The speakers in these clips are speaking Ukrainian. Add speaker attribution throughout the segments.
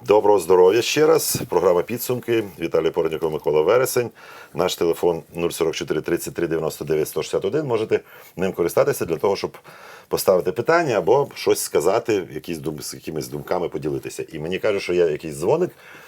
Speaker 1: Доброго здоров'я ще раз. Програма «Підсумки». Віталій Породніков, Микола Вересень. Наш телефон 044 33 99 161. Можете ним користатися для того, щоб поставити питання або щось сказати, з якимись думками поділитися. І мені кажуть, що є якийсь дзвоник.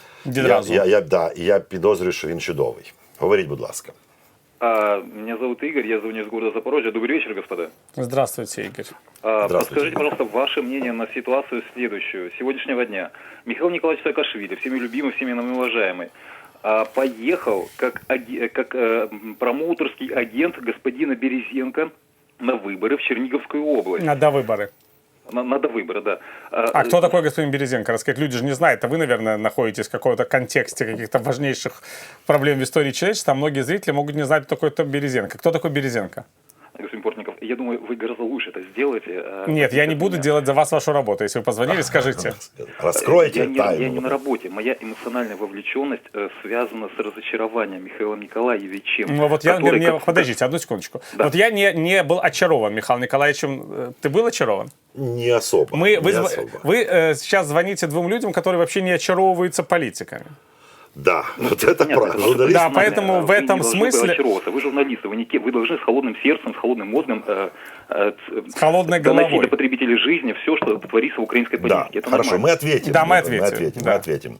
Speaker 1: Я підозрюю, що він чудовий. Говоріть, будь ласка.
Speaker 2: Меня зовут Игорь, я звоню из города Запорожье. Добрый вечер, господа.
Speaker 3: Здравствуйте, Игорь.
Speaker 1: Здравствуйте.
Speaker 2: Подскажите, пожалуйста, ваше мнение на ситуацию следующую. Сегодняшнего дня Михаил Николаевич Саакашвили, всеми любимый, всеми нами уважаемый, поехал как промоутерский агент господина Березенко на выборы в Черниговскую область.
Speaker 3: На довыборы.
Speaker 2: На довыборы, да.
Speaker 3: А кто такой господин Березенко? Рассказать, люди же не знают, а вы, наверное, находитесь в каком-то контексте каких-то важнейших проблем в истории человечества, а многие зрители могут не знать, кто такой Березенко. Кто такой Березенко?
Speaker 2: Господин Портников, я думаю, вы гораздо лучше это сделаете.
Speaker 3: Нет, я не буду делать за вас вашу работу. Если вы позвонили, скажите.
Speaker 1: Раскройте
Speaker 2: я
Speaker 1: тайну.
Speaker 2: не на работе. Моя эмоциональная вовлеченность связана с разочарованием Михаилом Николаевичем.
Speaker 3: Ну вот подождите, одну секундочку. Да. Вот я не был очарован Михаилом Николаевичем. Ты был очарован?
Speaker 1: Не особо.
Speaker 3: Вы сейчас звоните двум людям, которые вообще не очаровываются политиками.
Speaker 1: Да, вот это правда.
Speaker 3: Да, поэтому в этом смысле...
Speaker 2: Вы журналисты, вы должны с холодным сердцем, с холодным мозгом
Speaker 3: с холодной головой
Speaker 2: доносить до потребителей жизни все, что творится в украинской политике.
Speaker 1: Да,
Speaker 2: это
Speaker 1: хорошо,
Speaker 2: нормально.
Speaker 1: мы ответим.
Speaker 3: Да, мы ответим.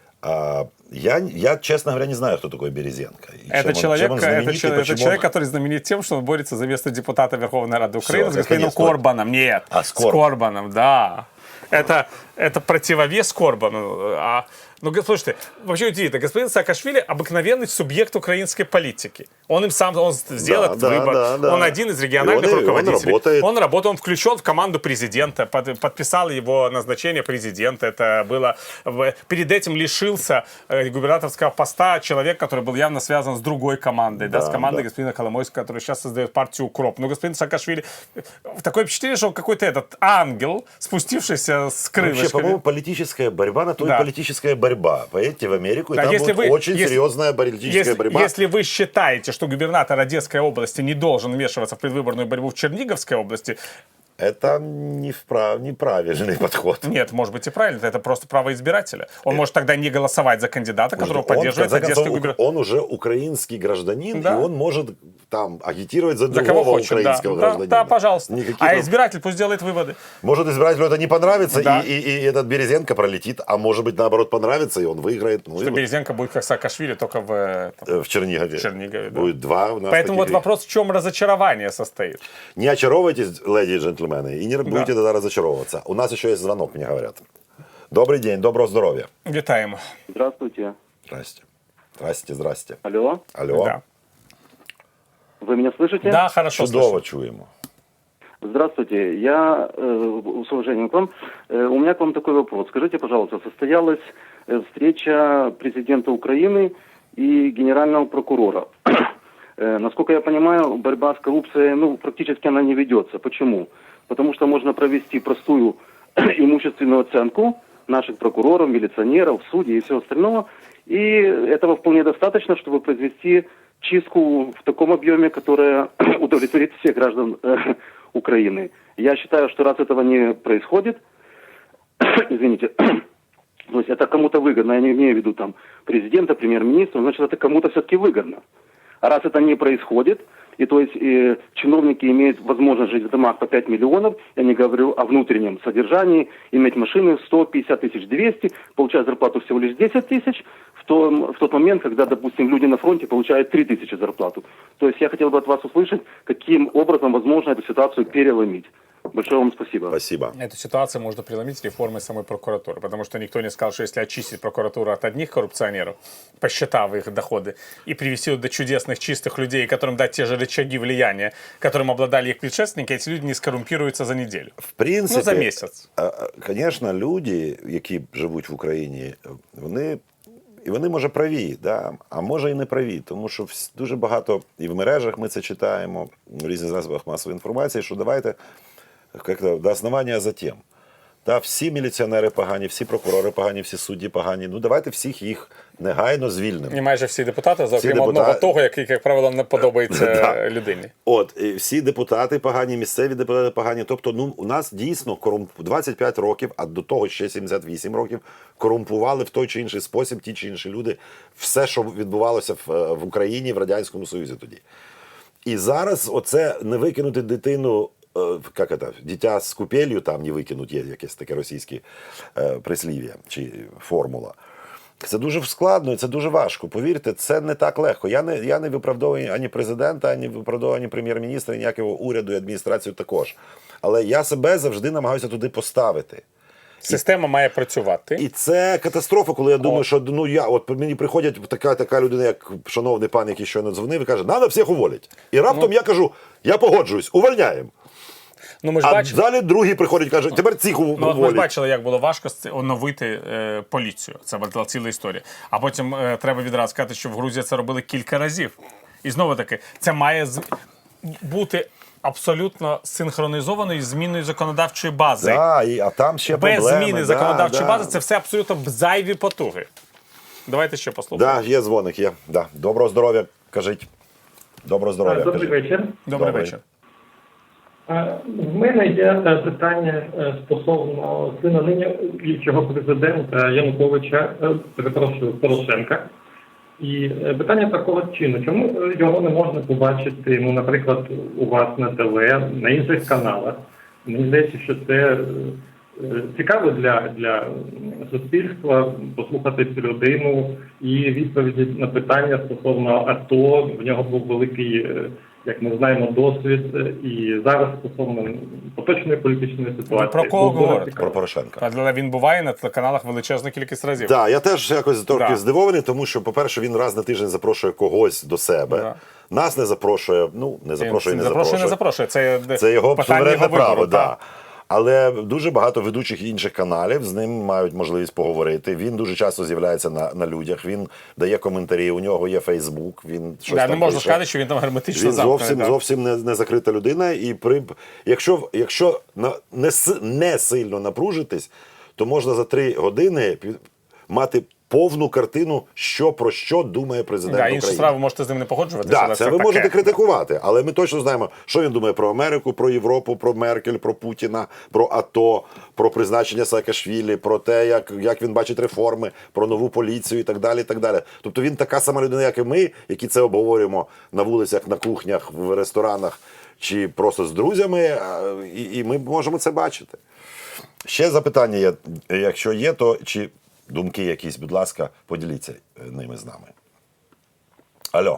Speaker 1: Я, честно говоря, не знаю, кто такой Березенко.
Speaker 3: Это человек, который знаменит тем, что он борется за место депутата Верховной Рады Украины с господином Корбаном. Нет, с Корбаном, да. Это противовес Корбану. Ну, слушайте, вообще удивительно. Господин Саакашвили обыкновенный субъект украинской политики. Он сделал этот выбор. Он один из региональных руководителей. Он работает, он включен в команду президента, подписал его назначение президента. Это было... Перед этим лишился губернаторского поста человек, который был явно связан с другой командой, с командой господина Коломойского, который сейчас создает партию УКРОП. Но господин Саакашвили... Такое впечатление, что он какой-то этот ангел, спустившийся с крылышками.
Speaker 1: Вообще, по-моему, политическая борьба, на то и политическая борьба. Поедете в Америку, и там будет очень серьезная политическая борьба.
Speaker 3: Если вы считаете, что губернатор Одесской области не должен вмешиваться в предвыборную борьбу в Черниговской области,
Speaker 1: это неправильный подход.
Speaker 3: Нет, может быть и правильно. Это просто право избирателя. Он может тогда не голосовать за кандидата, которого поддерживает одесский губернатор.
Speaker 1: Он уже украинский гражданин, и он может там агитировать за другого украинского гражданина.
Speaker 3: Да, пожалуйста. А избиратель пусть делает выводы.
Speaker 1: Может, избирателю это не понравится, и этот Березенко пролетит, а может быть, наоборот, понравится, и он выиграет.
Speaker 3: Что Березенко будет как Саакашвили, только в
Speaker 1: Чернигове. Будет два у нас.
Speaker 3: Поэтому вот вопрос, в чем разочарование состоит.
Speaker 1: Не очаровывайтесь, леди и джентльмены, и не будете тогда разочаровываться. У нас еще есть звонок, мне говорят. Добрый день, доброго здоровья.
Speaker 3: Витаем.
Speaker 2: Здравствуйте.
Speaker 1: Здрасте.
Speaker 2: Алло.
Speaker 3: Да.
Speaker 2: Вы меня слышите?
Speaker 3: Да, хорошо
Speaker 1: Чудово чуємо.
Speaker 2: Здравствуйте. Я, с уважением к вам, у меня к вам такой вопрос. Скажите, пожалуйста, состоялась встреча президента Украины и генерального прокурора. Насколько я понимаю, борьба с коррупцией, практически она не ведется. Почему? Потому что можно провести простую имущественную оценку наших прокуроров, милиционеров, судей и всего остального. И этого вполне достаточно, чтобы произвести чистку в таком объеме, которая удовлетворит всех граждан Украины. Я считаю, что раз этого не происходит, извините, то есть это кому-то выгодно, я не имею в виду там президента, премьер-министра, значит это кому-то все-таки выгодно. А раз это не происходит, и то есть чиновники имеют возможность жить в домах по 5 миллионов, я не говорю о внутреннем содержании, иметь машины 150 тысяч, 200, получать зарплату всего лишь 10 тысяч, в тот момент, когда, допустим, люди на фронте получают 3 тысячи зарплату. То есть я хотел бы от вас услышать, каким образом возможно эту ситуацию переломить. Большое вам спасибо.
Speaker 1: Спасибо.
Speaker 3: Эту ситуацию можно преломить реформой самой прокуратуры, потому что никто не сказал, что если очистить прокуратуру от одних коррупционеров, посчитав их доходы, и привести до чудесных чистых людей, которым дать те же рычаги влияния, которым обладали их предшественники, эти люди не скоррумпируются за неделю.
Speaker 1: В принципі,
Speaker 3: за місяць.
Speaker 1: Звісно, люди, які живуть в Україні, вони може праві, да? А може і не праві, тому що дуже багато і в мережах ми це читаємо, в різних засобах масової інформації, що давайте как-то до основания затем. Та всі міліціонери погані, всі прокурори погані, всі судді погані. Ну давайте всіх їх негайно звільнимо.
Speaker 3: І майже всі депутати, за окрім одного того, який, як правило, не подобається людині.
Speaker 1: От, і всі депутати погані, місцеві депутати погані. Тобто, ну, у нас дійсно 25 років, а до того ще 78 років, корумпували в той чи інший спосіб ті чи інші люди все, що відбувалося в Україні, в Радянському Союзі тоді. І зараз оце не викинути дитину, як це, дитя з купелью там не викинуть, є якесь таке російське прислів'я чи формула. Це дуже складно і це дуже важко. Повірте, це не так легко. Я не виправдовую ані президента, ані виправдовую ані прем'єр-міністра, ніякого уряду і адміністрацію також. Але я себе завжди намагаюся туди поставити.
Speaker 3: Система має працювати.
Speaker 1: І це катастрофа, коли я думаю, що от мені приходять така людина, як шановний пан, який щойно дзвонив, і каже, треба всіх уволити. І раптом я кажу, я погоджуюсь, увольняємо.
Speaker 3: Ну, ми ж
Speaker 1: далі другий приходить і каже, тепер цих уволять.
Speaker 3: Ми ж бачили, як було важко оновити поліцію. Це була ціла історія. А потім треба відразу сказати, що в Грузії це робили кілька разів. І знову таки, це має бути абсолютно синхронізованою із зміною законодавчої бази.
Speaker 1: А там ще
Speaker 3: без
Speaker 1: проблеми.
Speaker 3: Зміни законодавчої бази це все абсолютно зайві потуги. Давайте ще послухаємо.
Speaker 1: Так, є дзвоник, є. Да. Доброго здоров'я, кажіть. Доброго здоров'я.
Speaker 4: Добрий вечір.
Speaker 3: Добрий вечір.
Speaker 4: В мене є питання стосовно сина нинішнього президента Януковича, перепрошую, Порошенка. І питання такого чину. Чому його не можна побачити, ну, наприклад, у вас на ТВ, на інших каналах? Мені здається, що це цікаво для суспільства послухати цю людину і відповіді на питання стосовно АТО. В нього був великий, як ми знаємо, досвід. І зараз стосовно поточної політичної ситуації.
Speaker 3: Про кого говорите?
Speaker 1: Про Порошенка.
Speaker 3: Але він буває на телеканалах величезну кількість разів.
Speaker 1: Так, я теж якось трохи здивований, тому що, по-перше, він раз на тиждень запрошує когось до себе.
Speaker 3: Да.
Speaker 1: Нас не запрошує, не запрошує.
Speaker 3: Це
Speaker 1: його суверенне право.
Speaker 3: Вибору,
Speaker 1: да. Але дуже багато ведучих інших каналів з ним мають можливість поговорити. Він дуже часто з'являється на людях, він дає коментарі, у нього є Фейсбук, він щось там
Speaker 3: не можна
Speaker 1: пише.
Speaker 3: сказати, що він там герметично
Speaker 1: Він
Speaker 3: замкнений.
Speaker 1: зовсім не закрита людина. І якщо не сильно напружитись, то можна за 3 години мати повну картину, про що думає президент України.
Speaker 3: Інші справи можете з ним не погоджуватися.
Speaker 1: Да, це ви можете критикувати, але ми точно знаємо, що він думає про Америку, про Європу, про Меркель, про Путіна, про АТО, про призначення Саакашвілі, про те, як він бачить реформи, про нову поліцію і так далі. І так далі. Тобто він така сама людина, як і ми, які це обговорюємо на вулицях, на кухнях, в ресторанах чи просто з друзями, і ми можемо це бачити. Ще запитання є, якщо є, то чи думки якісь, будь ласка, поділіться ними з нами. Алло.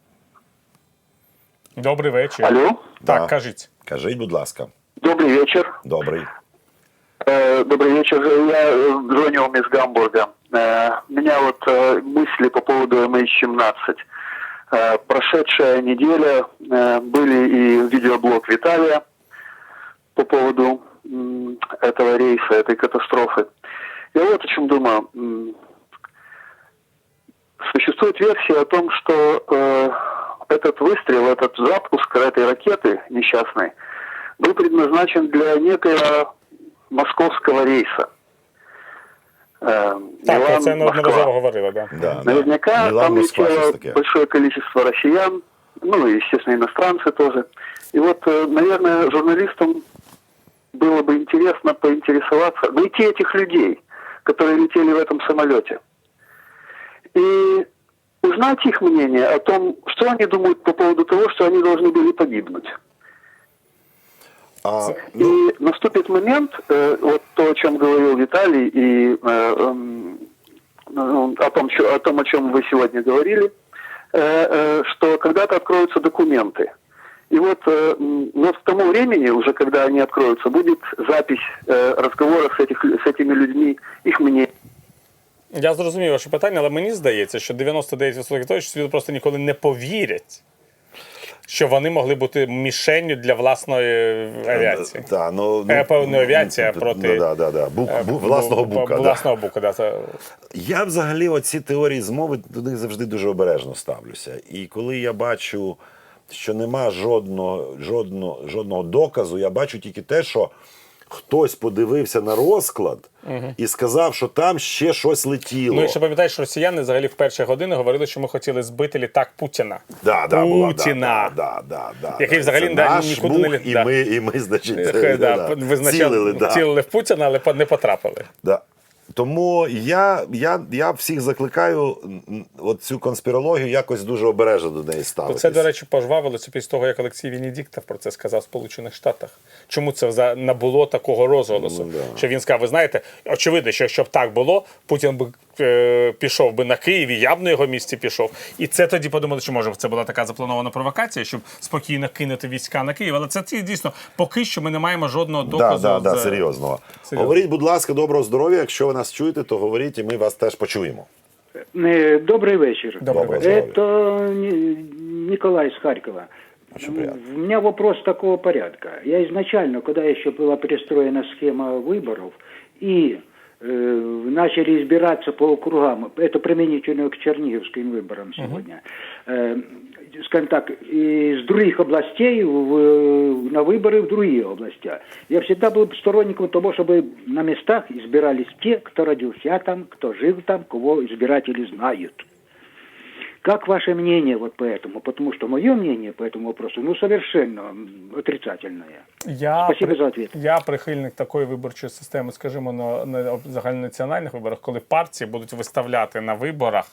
Speaker 3: Добрий вечір.
Speaker 2: Алло?
Speaker 3: Так,
Speaker 1: Да.
Speaker 3: кажіть.
Speaker 1: Кажіть, будь ласка.
Speaker 2: Добрый вечер.
Speaker 1: Добрий.
Speaker 2: Добрый вечер. Я звоню вам из Гамбурга. У меня вот мысли по поводу MH17. Прошедшая неделя были и видеоблог Виталия по поводу этого рейса, этой катастрофы. Я вот о чем думаю. Существует версия о том, что этот выстрел, этот запуск этой ракеты несчастной был предназначен для некоего московского рейса.
Speaker 3: Так, про це неодноразово говорили, да.
Speaker 1: Да,
Speaker 2: Наверняка
Speaker 1: Милан,
Speaker 2: там
Speaker 1: Москва,
Speaker 2: летело
Speaker 1: щось таке.
Speaker 2: большое количество россиян, ну и, естественно, иностранцы тоже. И вот, наверное, журналистам было бы интересно поинтересоваться, найти этих людей, которые летели в этом самолете, и узнать их мнение о том, что они думают по поводу того, что они должны были погибнуть. И наступит момент, вот то, о чем говорил Виталий, и о том, о чем вы сегодня говорили, что когда-то откроются документы. И вот к тому времени, уже когда они откроются, будет запись разговоров с этими людьми, их мнение.
Speaker 3: Я зрозумів ваше питання, але мені здається, що 99% того, що світу просто ніколи не повірять, що вони могли бути мішенню для власної авіації. Не авіація, а проти...
Speaker 1: Власного бука.
Speaker 3: Власного бука, да.
Speaker 1: Я взагалі оці теорії змови до них завжди дуже обережно ставлюся. І коли я бачу, що нема жодного доказу, я бачу тільки те, що хтось подивився на розклад і сказав, що там ще щось летіло.
Speaker 3: Ну, якщо пам'ятаєш, росіяни взагалі в перші години говорили, що ми хотіли збити літак Путіна. Путіна. Який взагалі нікуди не літав.
Speaker 1: І ми, значить,
Speaker 3: цілили в Путіна, але не потрапили.
Speaker 1: Да. Тому я всіх закликаю от цю конспірологію якось дуже обережно до неї ставитися.
Speaker 3: Це, до речі, пожвавилося після того, як Олексій Венедіктов про це сказав в Сполучених Штатах. Чому це набуло такого розголосу? Що він сказав, ви знаєте, очевидно, що якщо б так було, Путін би пішов би на Київ, і я б на його місці пішов. І це тоді подумали, що може це була така запланована провокація, щоб спокійно кинути війська на Київ. Але це дійсно, поки що ми не маємо жодного доказу.
Speaker 1: Да, серйозного. Говоріть, будь ласка, доброго здоров'я. Якщо ви нас чуєте, то говоріть, і ми вас теж почуємо.
Speaker 2: Добрый вечер.
Speaker 3: Добрый вечер.
Speaker 2: Это Николай из Харькова. У меня вопрос такого порядка. Я изначально, когда еще была перестроена схема выборов, и начали избираться по округам, это применительно к черниговским выборам сегодня, скажем так, из других областей на выборы в другие области. Я всегда был сторонником того, чтобы на местах избирались те, кто родился там, кто жил там, кого избиратели знают. Как ваше мнение вот по этому? Потому что мое мнение по этому вопросу, совершенно отрицательное. Спасибо за ответ.
Speaker 3: Я прихильник такої виборчої системи, скажімо, на загальнонаціональних виборах, коли партії будуть виставляти на виборах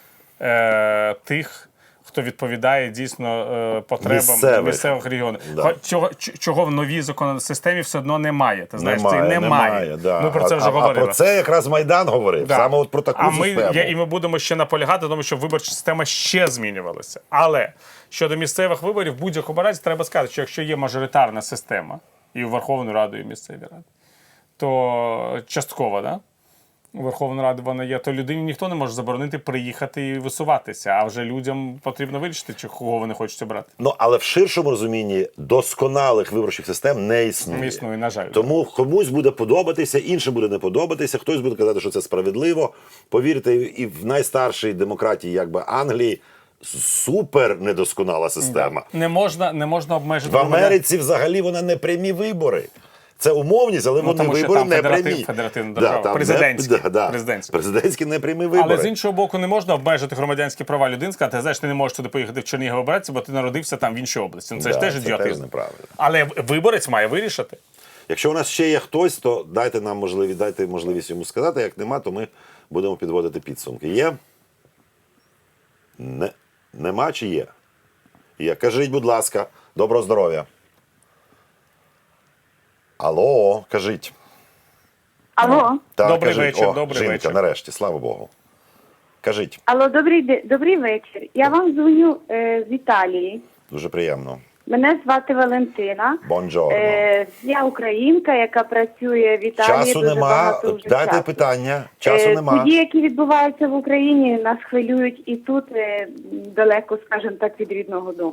Speaker 3: тих, хто відповідає дійсно потребам місцевих регіонів.
Speaker 1: Да.
Speaker 3: Чого в новій законодавчій системі все одно немає. Ти знаєш,
Speaker 1: немає. Да.
Speaker 3: Ми про це вже говорили.
Speaker 1: А про це якраз Майдан говорив.
Speaker 3: Да.
Speaker 1: Саме от про таку систему.
Speaker 3: І ми будемо ще наполягати, тому що виборча система ще змінювалася. Але щодо місцевих виборів, в будь-якому разі треба сказати, що якщо є мажоритарна система, і у Верховну Раду, і в місцеві ради, то частково, да? У Верховну Раду вона є, то людині ніхто не може заборонити приїхати і висуватися, а вже людям потрібно вирішити, кого вони хочуть обрати.
Speaker 1: Ну, але в ширшому розумінні досконалих виборчих систем не існує.
Speaker 3: Не існує, на жаль.
Speaker 1: Тому комусь буде подобатися, іншим буде не подобатися, хтось буде казати, що це справедливо. Повірте, і в найстаршій демократії, якби Англії, супер недосконала система.
Speaker 3: Не можна обмежити.
Speaker 1: В Америці взагалі вона не прямі вибори. Це умовність, але вони вибори не прямі.
Speaker 3: Федеративна держава. Президентські
Speaker 1: непрямі вибори.
Speaker 3: Але з іншого боку, не можна обмежити громадянські права людини, сказати, знаєш, ти не можеш туди поїхати в Чернігів обратися, бо ти народився там в іншій області. Ну, це ж теж ідіотизм. Але виборець має вирішити.
Speaker 1: Якщо у нас ще є хтось, то дайте можливість йому сказати. Як нема, то ми будемо підводити підсумки. Є? Нема чи є? Є. Кажіть, будь ласка, доброго здоров'я. Алло, кажіть.
Speaker 5: Алло.
Speaker 1: Так,
Speaker 3: добрий
Speaker 1: кажіть.
Speaker 3: вечір,
Speaker 1: добрий вечір. Нарешті, слава Богу. Кажіть.
Speaker 5: Алло, добрий вечір. Я вам дзвоню з Італії.
Speaker 1: Дуже приємно.
Speaker 5: Мене звати Валентина.
Speaker 1: Бонджорно.
Speaker 5: Я українка, яка працює в Італії.
Speaker 1: Часу нема. Дайте питання. Часу нема.
Speaker 5: Події, які відбуваються в Україні, нас хвилюють і тут, далеко, скажімо так, від рідного дому.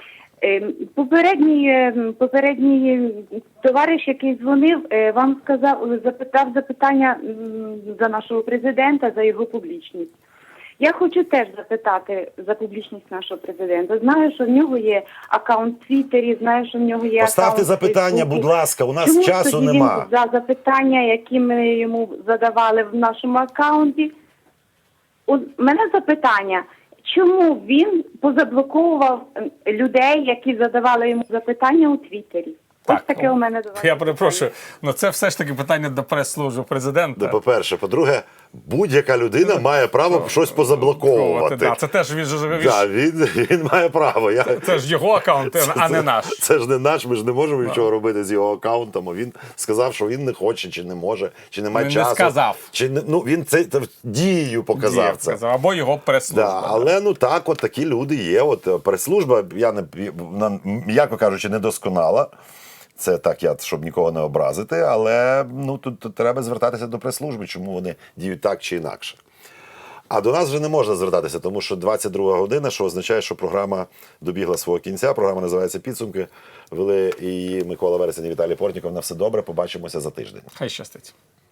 Speaker 5: Попередній товариш, який дзвонив, вам запитав запитання за нашого президента, за його публічність. Я хочу теж запитати за публічність нашого президента. Знаю, що в нього є аккаунт в Твіттері, знаю, що в нього є
Speaker 1: Поставте
Speaker 5: аккаунт
Speaker 1: запитання,
Speaker 5: в Фейсбуці.
Speaker 1: будь ласка, у нас
Speaker 5: Чому
Speaker 1: часу
Speaker 5: тоді
Speaker 1: нема.
Speaker 5: він за запитання, які ми йому задавали в нашому аккаунті? У мене запитання. Чому він позаблоковував людей, які задавали йому запитання у Твіттері? Ось таке у мене до вас.
Speaker 3: Я перепрошую, але це все ж таки питання до прес-служби президента.
Speaker 1: По-перше. По-друге, будь-яка людина має право щось позаблоковувати.
Speaker 3: Це теж
Speaker 1: він має право.
Speaker 3: Це ж його аккаунт, а не наш.
Speaker 1: Це ж не наш, ми ж не можемо нічого робити з його аккаунтом. Він сказав, що він не хоче, чи не може, чи не має часу.
Speaker 3: Не сказав.
Speaker 1: Він це дією показав це.
Speaker 3: Або його прес-служба.
Speaker 1: Але от такі люди є. От прес-служба, м'яко кажучи, недосконала. Це так, щоб нікого не образити, але тут треба звертатися до прес-служби, чому вони діють так чи інакше. А до нас вже не можна звертатися, тому що 22 година, що означає, що програма добігла свого кінця. Програма називається «Підсумки». Вели її Микола Вересень і Віталій Портніков. На все добре, побачимося за тиждень.
Speaker 3: Хай щастить.